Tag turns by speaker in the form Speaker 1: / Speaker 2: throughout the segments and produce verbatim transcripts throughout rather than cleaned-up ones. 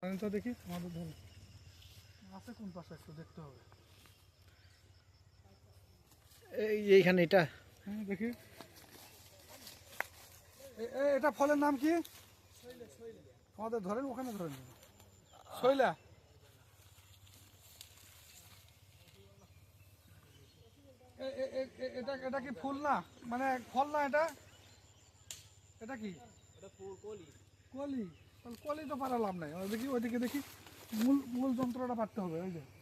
Speaker 1: তো দেখি আমাদের ধরে আছে কোন পাশে একটু দেখতে হবে।
Speaker 2: এই এইখানে এটা
Speaker 1: হ্যাঁ দেখি এটা ফলের নাম কি? আমাদের ধরেন ওখানে ধরেন শৈলা। এটা এটা কি ফুল না মানে ফল না এটা? এটা কি?
Speaker 3: এটা ফুল কলি।
Speaker 1: কলি? তাহলে কলি তো পারা লাভ নাই। দেখি ওইদিকে দেখি মূল মূল যন্ত্রটা পারতে হবে। ওই যে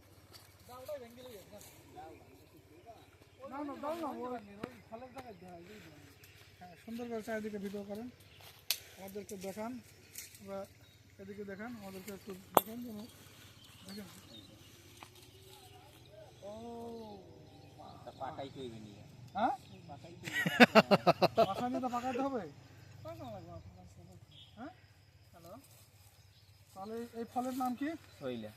Speaker 1: না না দাও না ফলের জায়গায় হ্যাঁ সুন্দর করে চারিদিকে ভিডিও করেন, আমাদেরকে দেখান বা এদিকে দেখান, আমাদেরকে একটু দেখান যেন দেখেন। ও
Speaker 3: পাকাই কইবে নি।
Speaker 1: হ্যাঁ পাকা নিয়ে তো পাকাইতে হবে। হ্যাঁ হ্যালো, তাহলে এই ফলের নাম কি?
Speaker 3: শৈলা।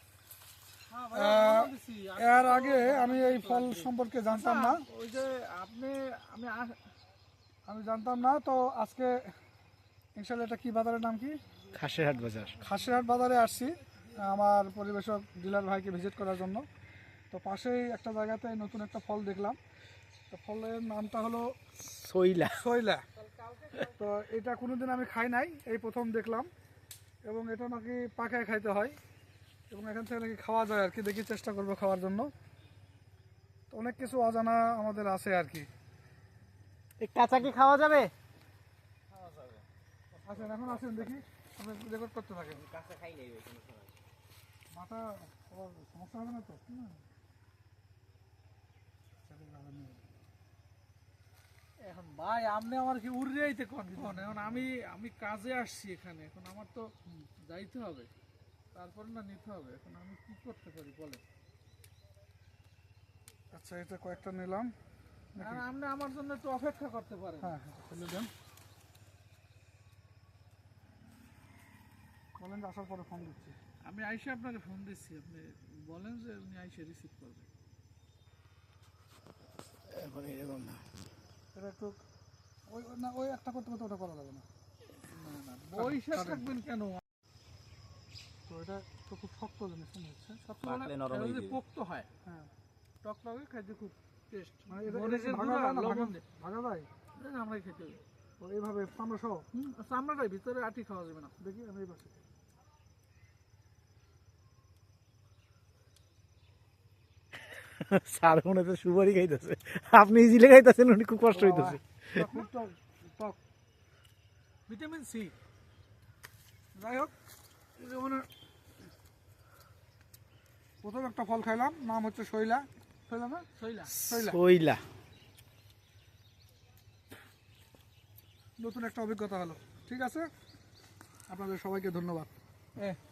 Speaker 1: এর আগে আমি এই ফল সম্পর্কে জানতাম না।
Speaker 3: ওই যে আপনি আমি
Speaker 1: আমি জানতাম না তো আজকে ইনশাআল্লাহ। এটা কি বাজারের নাম কি?
Speaker 2: খাসেরহাট বাজার।
Speaker 1: খাসেরহাট বাজারে আসছি আমার পরিবেশক ডিলার ভাইকে ভিজিট করার জন্য। তো পাশেই একটা জায়গাতে নতুন একটা ফল দেখলাম। তো ফলের নামটা হলো
Speaker 2: শৈলা।
Speaker 1: শৈলা। তো এটা কোনোদিন আমি খাই নাই, এই প্রথম দেখলাম। এবং এটা নাকি পাকায় খাইতে হয় এবং এখান থেকে নাকি খাওয়া যায় আর কি। দেখি চেষ্টা করবো খাওয়ার জন্য। তো অনেক কিছু অজানা আমাদের আছে আর কি।
Speaker 2: কাঁচা কি খাওয়া যাবে?
Speaker 1: আসেন এখন আসেন দেখি, আপনি রেকর্ড করতে থাকেন।
Speaker 3: কাঁচা খাই নাই ওই কোনো সময়।
Speaker 1: মাথা সমস্যা হবে না তো?
Speaker 4: এখন ভাই আপনি আমার কি উড়ে যাইতে কোন এখন আমি আমি কাজে আসছি এখানে, এখন আমার তো যাইতে হবে, তারপর না নিতে হবে। এখন আমি কি করতে পারি বলেন?
Speaker 1: আচ্ছা এটা কয়েকটা নিলাম।
Speaker 4: আর আপনি আমার জন্য একটু অপেক্ষা করতে পারেন।
Speaker 1: হ্যাঁ খুলে দেন, বলেন যে আসার পরে ফোন দিচ্ছি।
Speaker 4: আমি আইসে আপনাকে ফোন দিচ্ছি, আপনি বলেন যে উনি আইসে রিসিভ করবেন।
Speaker 2: এখন এরকম না,
Speaker 1: এটা একটু ওই না ওই একটা করতে করতে ওটা করা যাবে না।
Speaker 4: না না বইসা থাকবেন কেন?
Speaker 1: তো এটা তো খুব শক্ত জিনিস মনে হচ্ছে।
Speaker 4: শক্ত
Speaker 3: পাকলে নরম হয়ে যাবে।
Speaker 4: পোক্ত হয়,
Speaker 1: হ্যাঁ
Speaker 4: টক লাগে, খাইতে খুব টেস্ট।
Speaker 1: মানে এটা
Speaker 4: মরিচের
Speaker 1: ভাগা
Speaker 4: গুঁড়া
Speaker 1: যায় না?
Speaker 4: লবণ দিয়ে
Speaker 1: ভাগা যায়
Speaker 4: আমরাই খেতে হবে।
Speaker 1: তো এইভাবে চামড়া সহ
Speaker 4: হুম চামড়াটাই, ভিতরে আটি খাওয়া যাবে না।
Speaker 1: দেখি আমি এই পাশে।
Speaker 2: স্যার মনে তো সুপারি খাইতেছে, আপনি ইজিলে খাইতেছেন, উনি খুব কষ্ট হইতেছে।
Speaker 1: এটা খুব টক টক।
Speaker 4: Vitamin C.
Speaker 1: যাই হোক, মানে প্রথম একটা ফল খাইলাম, নাম হচ্ছে শৈলা। শৈলা না
Speaker 4: শৈলা।
Speaker 1: শৈলা
Speaker 2: শৈলা।
Speaker 1: নতুন একটা অভিজ্ঞতা হলো। ঠিক আছে, আপনাদের সবাইকে ধন্যবাদ।